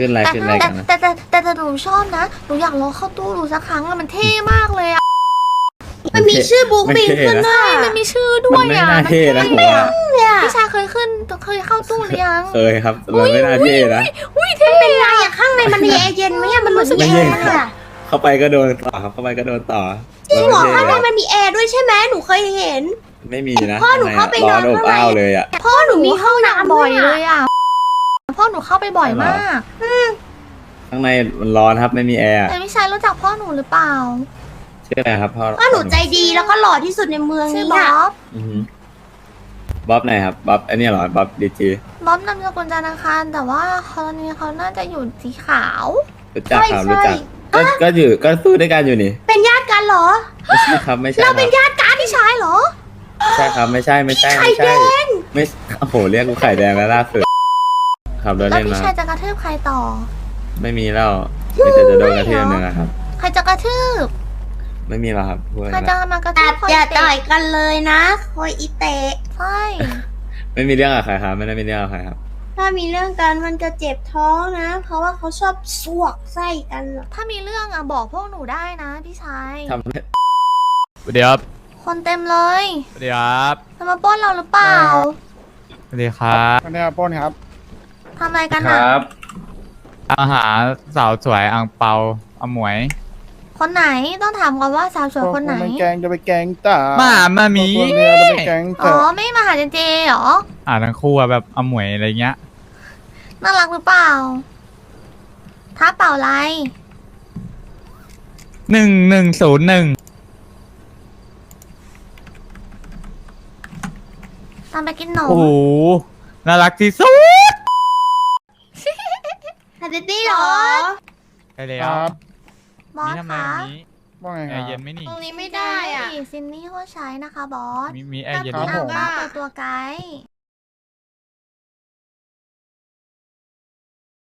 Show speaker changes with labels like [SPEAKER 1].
[SPEAKER 1] ขึ้นอะไร
[SPEAKER 2] แต่
[SPEAKER 1] ขึ้นอะไร
[SPEAKER 2] แต่
[SPEAKER 1] กันนะ
[SPEAKER 2] แต่หนูชอบนะหนูอยากลองเข้าตู้ดูสักครั้งอะมันเท่มากเลยอะ
[SPEAKER 3] มันมีชื่อบุ๊กบิงขึ้นด้
[SPEAKER 2] ใช่
[SPEAKER 3] วย
[SPEAKER 2] มันมีชื่อด้
[SPEAKER 1] มั
[SPEAKER 2] วน ย
[SPEAKER 1] ไม่
[SPEAKER 2] อะ
[SPEAKER 1] น่าเท่นะผมว่า
[SPEAKER 2] พี่ชายเคยเข้าตู้หรือยัง
[SPEAKER 1] เคยครับมันไม่น่าเท่นะ
[SPEAKER 2] อุ้ยเท่
[SPEAKER 3] เป็นไรอะข้างในมันมีแอร์เย็นไหมอะมันรู้สึก
[SPEAKER 1] ไม่
[SPEAKER 3] แอ
[SPEAKER 1] เย็น
[SPEAKER 3] ร์
[SPEAKER 1] ครับ
[SPEAKER 3] อะ
[SPEAKER 1] เข้าไปก็โดนต่อครับเข้าไปก็โดนต่อ
[SPEAKER 3] จริงเหรอ
[SPEAKER 1] มั
[SPEAKER 3] ข้าง
[SPEAKER 1] น
[SPEAKER 3] ใน
[SPEAKER 1] ไม่เท่
[SPEAKER 3] มันมีแอร์ด้วยใช่ไหมหนูเคยเห็น
[SPEAKER 1] ไม่มีนะ
[SPEAKER 3] พ่อหนูเข้าไป
[SPEAKER 1] ร้อน
[SPEAKER 3] นอน
[SPEAKER 1] อบ
[SPEAKER 3] ข้างใน
[SPEAKER 1] อ้าวเลยอ่ะ
[SPEAKER 3] พ่อหนูมีห้องน้ำ
[SPEAKER 2] บ่
[SPEAKER 3] ด้
[SPEAKER 2] อ
[SPEAKER 3] วย ย
[SPEAKER 2] เล
[SPEAKER 3] อะ
[SPEAKER 2] ยอะพ่อหนูเข้าไปบ่อยมาก
[SPEAKER 1] ข้างในมันร้อนครับไม่มีแอร์
[SPEAKER 2] แต่พี่ชายรู้จักพ่อหนูหรือเปล่า
[SPEAKER 1] ชื่ออะไรครับพ่อ
[SPEAKER 3] พ่อหนูใจดีแล้วก็หล่อที่สุดในเมือง
[SPEAKER 2] ชื่อ
[SPEAKER 3] นี้
[SPEAKER 2] บ๊
[SPEAKER 3] อะ
[SPEAKER 2] อบ
[SPEAKER 1] อือหือบ๊อบไหนครับบ๊อบอันนี้เหรอบ๊อบดีจี
[SPEAKER 2] บ๊อบนามสกุลจันทร์อังคารแต่ว่าตอนนี้เขาน่าจะอยู่สีขาว
[SPEAKER 1] รู้จักครับรู้จักก็อยู่ก็สู้ด้วยกันอยู่นี่
[SPEAKER 3] เป็นญาติกันเหรอ
[SPEAKER 1] ไม่ใช่ครับไม่ใช่ค
[SPEAKER 3] เรา
[SPEAKER 1] รับ
[SPEAKER 3] เป็นญาติกัน
[SPEAKER 2] พี่ชายเหรอ
[SPEAKER 1] ไม่ใช่ครับไม่ใช่ไม่ใช่
[SPEAKER 3] ไข่
[SPEAKER 1] ไม่
[SPEAKER 3] แด
[SPEAKER 1] ใช่
[SPEAKER 3] ง
[SPEAKER 1] ไม่โอ้โหเรียกกูไข่แดงแล้วล่าสุดขับรถ
[SPEAKER 2] แล้ว
[SPEAKER 1] เล่น
[SPEAKER 2] พี่
[SPEAKER 1] มา
[SPEAKER 2] ชายจะกระทืบใครต่อ
[SPEAKER 1] ไม่มีแล้วมีแต่จะโดนกระเทียมหนึ่งอะครับ
[SPEAKER 2] ใครจะกระทืบ
[SPEAKER 1] ไม่มีแล้วครับพูด
[SPEAKER 2] ใคร
[SPEAKER 1] แล้ว
[SPEAKER 2] จะมากระ
[SPEAKER 3] แต่
[SPEAKER 2] ทืบคอย
[SPEAKER 3] อย่า
[SPEAKER 2] เตะ
[SPEAKER 3] ต่อยกันเลยนะคอยอีเตะ
[SPEAKER 2] ใช่
[SPEAKER 1] ไม่มีเรื่องกับใครครับไม่ได้มีเรื่องกับใครครับ
[SPEAKER 3] ถ้ามีเรื่องกันมันจะเจ็บท้องนะ เพราะว่าเขาชอบสวกไส้กันอะ
[SPEAKER 2] ถ้ามีเรื่องอะบอกพวกหนูได้นะพี่ชาย
[SPEAKER 1] ทำ
[SPEAKER 4] สวัสดีครับ
[SPEAKER 2] คนเต็มเลย
[SPEAKER 4] สวัสดีครับ
[SPEAKER 2] จะมาปล้นเราหรือเปล่า
[SPEAKER 4] สวัสดีครับ
[SPEAKER 5] อันนี้ครับป้นครับ
[SPEAKER 2] ทำอะไรกันอะ
[SPEAKER 4] อาหารสาวสวยอังเปาอมวย
[SPEAKER 2] คนไหนต้องถามก่อนว่าสาวสวยคนไหน
[SPEAKER 5] ไปแกงจะไปแกงตา
[SPEAKER 4] มามามี
[SPEAKER 5] ตัวเรือจะไปแกง
[SPEAKER 2] อ๋
[SPEAKER 5] เต๋
[SPEAKER 2] อ
[SPEAKER 5] อ
[SPEAKER 2] ไม่มาหาเจเจเหรอ
[SPEAKER 4] ทั้งคู่อะแบบอมวยอะไรเงี้ย
[SPEAKER 2] น่ารักหรือเปล่าท้าเปล่าอะไร
[SPEAKER 4] 1101
[SPEAKER 2] ตามไปกินหนม
[SPEAKER 4] โอ้โหน่ารักที่สุด
[SPEAKER 3] ฮัตตี้เหรอ
[SPEAKER 4] ใช่แล้
[SPEAKER 5] คว รับ
[SPEAKER 2] บอ
[SPEAKER 4] นี่
[SPEAKER 2] ส
[SPEAKER 4] ทำไม
[SPEAKER 2] คะ
[SPEAKER 4] วันนี้
[SPEAKER 5] ว่าไง
[SPEAKER 4] แอ
[SPEAKER 5] ครั
[SPEAKER 4] ร์เย็น
[SPEAKER 5] บ
[SPEAKER 4] ไหมนี่
[SPEAKER 3] ตรงนี้ไม่ได้อ่ะ
[SPEAKER 2] ซินนี่เขาใช้นะคะบอส
[SPEAKER 4] มีแอร์เย็น
[SPEAKER 2] แต่
[SPEAKER 4] ไหม
[SPEAKER 2] พี่
[SPEAKER 5] ผม
[SPEAKER 2] นางบ้าเปิดตัวไกด์